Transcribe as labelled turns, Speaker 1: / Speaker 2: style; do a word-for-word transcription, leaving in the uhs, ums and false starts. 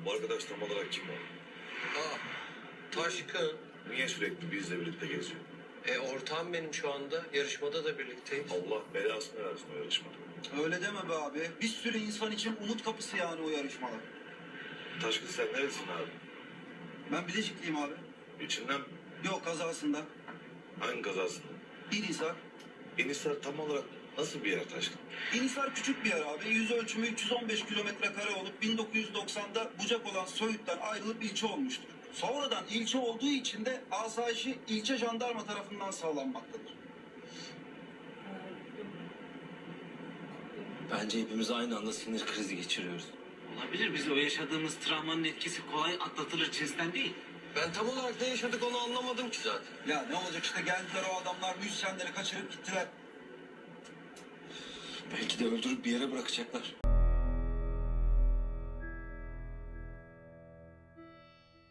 Speaker 1: Bu arkadaş tam olarak kim o?
Speaker 2: Aa, Taşkın.
Speaker 1: Niye sürekli bizle birlikte geziyor?
Speaker 2: E ortağım benim şu anda. Yarışmada da birlikteyiz.
Speaker 1: Allah belasını versin o yarışmada.
Speaker 3: Öyle deme be abi. Bir sürü insan için umut kapısı yani o yarışmalar.
Speaker 1: Taşkın sen neresin abi?
Speaker 3: Ben Bilecikliyim abi.
Speaker 1: İçinden mi?
Speaker 3: Yok kazasında.
Speaker 1: Hangi kazasında?
Speaker 3: İnisar.
Speaker 1: Enisar tam olarak nasıl bir yer Taşkın?
Speaker 3: İnisar küçük bir yer abi. Yüz ölçümü üç yüz on beş kilometre kare olup bin dokuz yüz doksan'da bucak olan Söğüt'ten ayrılıp ilçe olmuştur. Sonradan ilçe olduğu için de asayişi ilçe jandarma tarafından sağlanmaktadır.
Speaker 4: Bence hepimiz aynı anda sinir krizi geçiriyoruz.
Speaker 5: Olabilir. Biz o yaşadığımız travmanın etkisi kolay atlatılır cinsten değil.
Speaker 2: Ben tam olarak ne yaşadık onu anlamadım ki zaten.
Speaker 3: Ya ne olacak işte geldiler o adamlar müzisyenleri kaçırıp gittiler.
Speaker 4: Belki de öldürüp bir yere bırakacaklar.